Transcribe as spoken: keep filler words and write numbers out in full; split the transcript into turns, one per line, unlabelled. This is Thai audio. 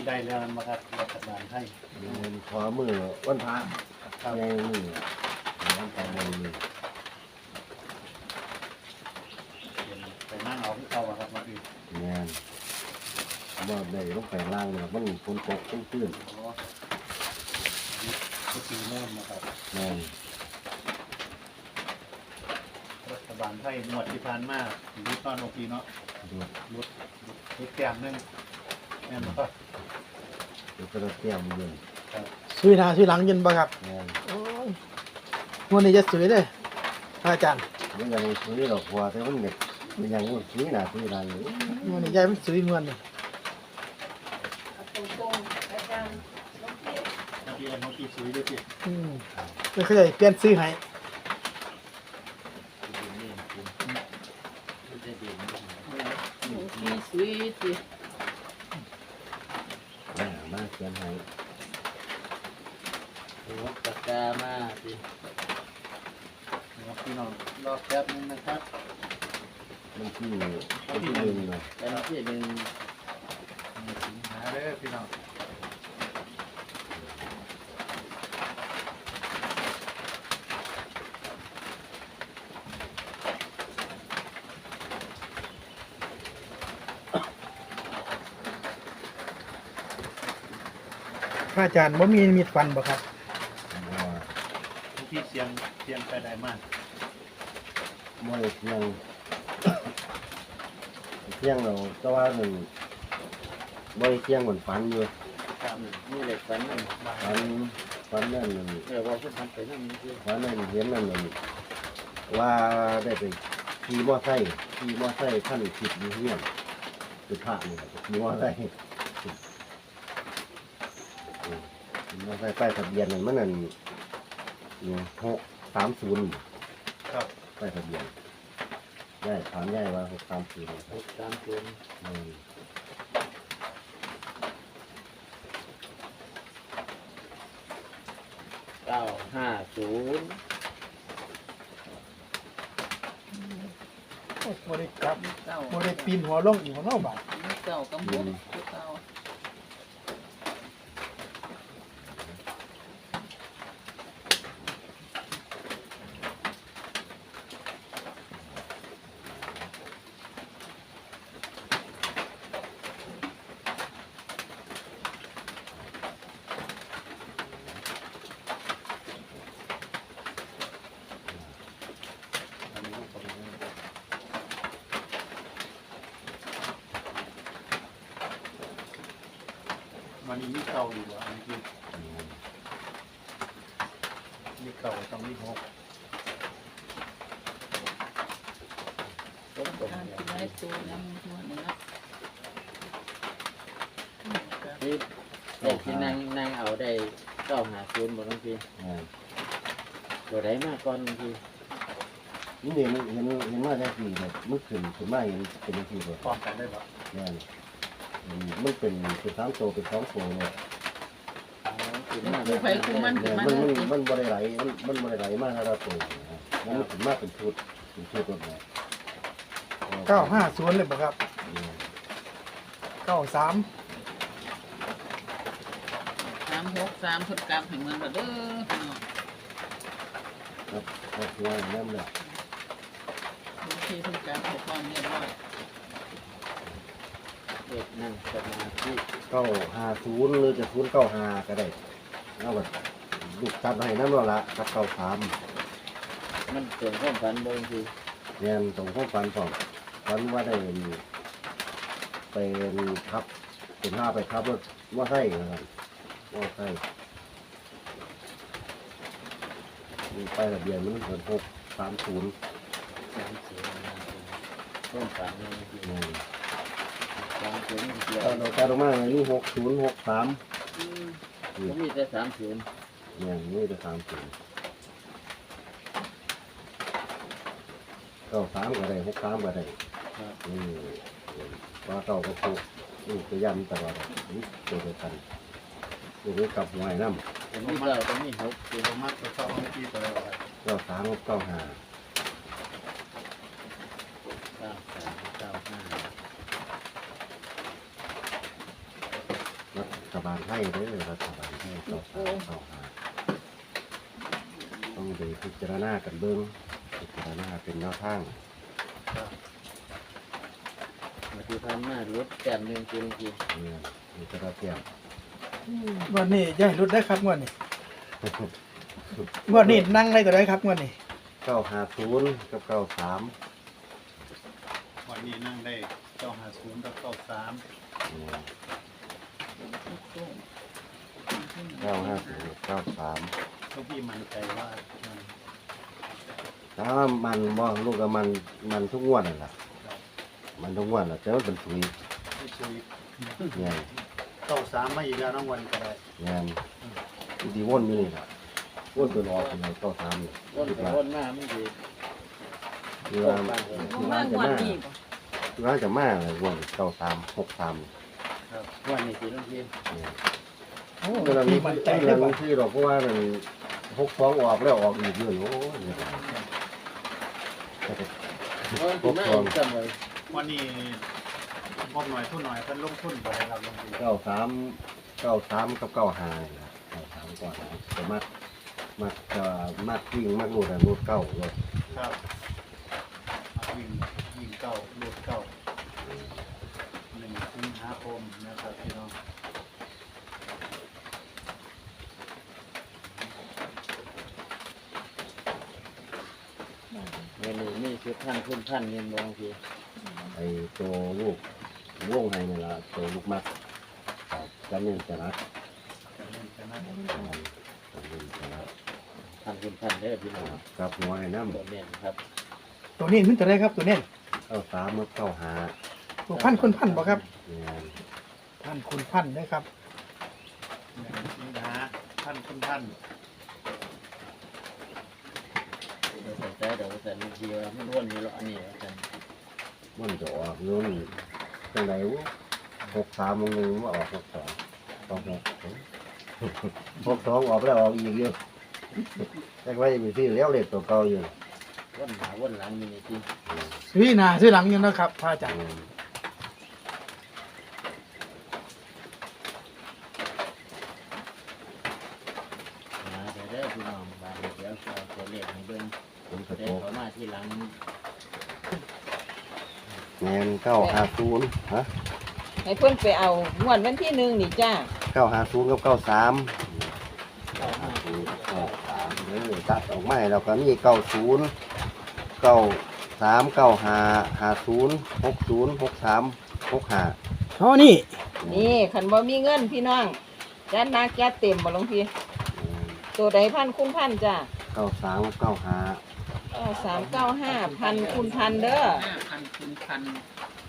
ได้แล้วมาครับรัฐบาลให้
เงินขอมือวันพระในมือวันพระในมือ
ไปนั่งเอาที่เขาครับมาอีก
เงินบ่ได้ลงไปล่างเนี่ยมันฝนตกตื้นตื้น
ก็คือเริ่มนะครับ
เงิน
รัฐบาลให้หมวดที่ผ่านมาดูตอนโอเคเนาะ
ดู
ลดลดแก้มนึงแม่นบ่
ดูกระเทียมเงิน
ซื้อหน้าซื้อหลังยินบ่ครับ
เงิน
โอ้ยวันนี้จะสวยเลยอาจารย์
มันยังซื้อดอกบัวแต่มันเด็กมันยังมันซื้อหน้าซื้อหลังอยู่
วันนี้ยายมันสวยเงินเลย
ตรงๆอาจารย์น้องพี่น้องพี่ซื้อด้วยสิ
อืมไม่เคยเปลี่ยนซื้อให้
มีสวีทสิ
มามาเขียนให้
รถปากกามาสิ
พี่น้องรอแป๊บนึงนะครับ
มันที่มันที่หนึ่งนะ
เป็นที่หนึ่ง
สิงหาเด้อพี่น้อง
พระอาจารย์ว่ามีมีดฟันบ่ครับ
ที่เสียงเสียงไปได้มาก
มวยเที่ยงเที่ยงเราก็ว่าหนึ่งมวยเที่ยงเหมือนฟันอยู่
ครับนี่เหล็กฟันนั่น
ฟันฟันนั่นมัน
เออว่าคุณทำไปนั่นนี่คือ
ฟันนั่นเห็นนั่นมันว่าได้ไปขี่มอไซค์ขี่มอไซค์ขั้นผิดอยู่เฮี้ยนคือพระนี่ขี่มอไซค์มอไซค์ป้ายทะเบียนนั่นมันนั่นหกสามศูนย์
ครับ
ป้ายทะเบียนย่ายถามย่ายว่าหกสามศูนย์
หกสามศูนย์เก้าห้าศูนย์
โมได้กลับโมได้ปีนหัวลงอีกหัวเน่าบาด
เก้ากำบุกเก้า
มันมีเก่าอยู่เหรออันนี้มีเก่าต้องมีหก
ต้องตรงนี้ได้ตัวน้ำตัวนี้นะนี่เด็กที่นั่งนั่งเอาได้เก้าหาศูนย์หมดทั้งทีตัวไหนมากก่อนบางที
นี่เห็นเห็นเห็นว่าได้กี่แบบมันขึ้นขึ้นมาอย่างเป็นยังไงแบบ
พร้อมกันได้ปะ
เนี่ยมันเป็นเป็นสามโตเป็นสองโตเนี่ย
ไฟคุ้มมัน
มันมันมันบริไหลมันมันบริไหลมากนะครับโตมันถึงมากเป็นชุดเป็นชุดตัวเนี่ย
เก้าห้าศูนย์เลยป่ะครับเก้าสาม
สามหกสามพุทธกรรมแห่งเมืองระเด้อ
ครับครอบครัวนั่นแหละ
ที่พุทธกรรมหกความเรียบร้อยเด็กนั่งสมาธิ
เก้าห้าศูนย์หรือจะศูนย์เก้าห้าก็ได้เอาแบบลูกตัดให้น้ำเราละกับเก้าสาม
มันเกิดข้อฝันบางที
เรียนตรงข้อฝันของฝันว่าได้เป็นขับเป็นห้าไปขับรถว่าไส้นะครับว่าไส้ไปทะเบียนมันเกิดหกสามศูนย์
สามศูนย์ข้อฝันบางทีสามศูนย์เดียว
เราจะลงมาอย่างนี้หกศูนย์หกสาม
มีแต่สามศูนย์
อย่างนี้จะสามศูนย์เก้าสามก็ได้หกสามก็ได้นี่ว่าเก้าก็ถูกนี่จะย้ำตลอดนี่ตัวเดียวกันนี่กับหวยน้ำ
เป็นที่เราต้องมีหก
ตัวมัดตัวชอบไม่กี่ตัวอะไร
เก้าสามเก้าห้า
เก้าสามเก้าห้า
ฐบาลไทยเด้อรัฐบาลไทยเก้าสามเก้าห้าต้องไปพิจารณากันเบิ่งพิจารณาเป็นแนวทาง
มาที่ผ่านมาลดแต้มหนึ่งคือหลวงพี่
เนี่ยมีกระเทียม
งวดนี้อย่าให้หลุดได้ครับงวดนี้งวดนี้นั่งได้ก็ได้ครับงวดนี้
เก้าห้าศูนย์กับเก้าสาม
วันนี้นั่งได้เก้าห้าศูนย์กับเก้าสาม
เก้าห้าศูนย์เก้าสาม
ลูกพี่มั่นใจว่ามัน
ถ้ามันบ่ลูกกับมันมันทุกงวดนั่นแหละมันทุกงวดแหละแต่ว่าเป็นถุย
ไม่ช่วย
เนี่ย
เก้าสามมาอีกแล้วน้องวันก็ได้
เนี่ยดีวนอยู่นี่แหละวนตัวรอเป็นไงเก้าสามนี่
ต้น
คิด
ไป
ว่า
ต้นมามันดี
คือว่าคือว่าจะมาคือว่าจะมาอะไรวนเก้าสามหกสาม
วันนี้สิหลวงพี่
เนี่ย
โอ้
เวลามี
พี่มั่นใจ
เว
ได้
ลา
บ่
มีที่เราเพราะว่ามันหกสองออกแล้วออกอีกเยอะโอ้ยเนี่ย
เพราะที่มาอีกจำไว้
วันนี้งบหน่อยทุนหน่อยเพิ่นลงทุนไปครับลงทุน
เก้าสามเก้าสามกับเก้าห้าเนี่ยเก้าสามก่อนแต่มักมักจะมักวิ่งมักรูดอะรูดเก้าเลย
ครับวิ่งวิ่งเก้าลูดเก้าหนึ่งสิงหาคมนะครับพี่น้อง
เงินนี้มีชุดท่านทุนท่านเงินบางที
ไอ้ตัวลูกวงให้นี่ละตัวลูกมักจะเน้นจะรัก
จะเล่นกันนะ
จะเน้นจะรัก
ท่านทุนท่านเด้อพี่น้อง
กับหัวไอ้น้ำ
ตัวเน้นครับ
ตัวนี้มันจะได้ครับตัวนี้
เก้าสามกับเก้าห้า
ตัวพันคุณพันบ่ครับ
เนี่ย
พันคุณพันได้ครับ
หนึ่งสิงหาท่านคุณท่าน
เดี๋ยวใส่ใจเดี๋ยวใส่หลวงพี่ว่ามันวนอยู่หรออันนี้อาจารย์
มันจะออกนู่นจังไหนวะหกสามมึงนึงว่าออกหกสองออกหกหกสองออกแล้วออกอีกเยอะแต่ว่ายังมีที่เลี้ยวเล็กตัวเก่าอยู่
วนหาวนหลังอยู่ในที่
ซื้อหน้าซื้อหลังอยู่นะครับพระอาจารย์
อืม
นะเดี๋ยวเด้อพี่น้องบางเดี๋ยวจะเอาตัวเลขให้เบิ่ง
ผมกระ
เดี๋
โต
ยว
ก
เขามาที่หลัง
แมนเก้าห้าศูนย์ฮะ
ให้เพิ่นไปเอางวดวันที่หนึ่งนี่จ้า
เก้าห้าศูนย์กับเก้าสาม
เก้าห้า
เก้าสามเออตัดออกมาแล้วก็มีเก้าศูนย์เก้าสามเก้าห้าห้าศูนย์หกศูนย์หกสามหกห้า
อ๋อนี่
นี่คันบ่มีเงินพี่น้องจัดหนักจัดเต็มบ่หลวงพี่ตัวใดพันคุณพันจ้า
เก้าสามเก้าห้า
เก้าสามเก้าห้าพันคุณพันเด้อ
ห้าพันคูณพัน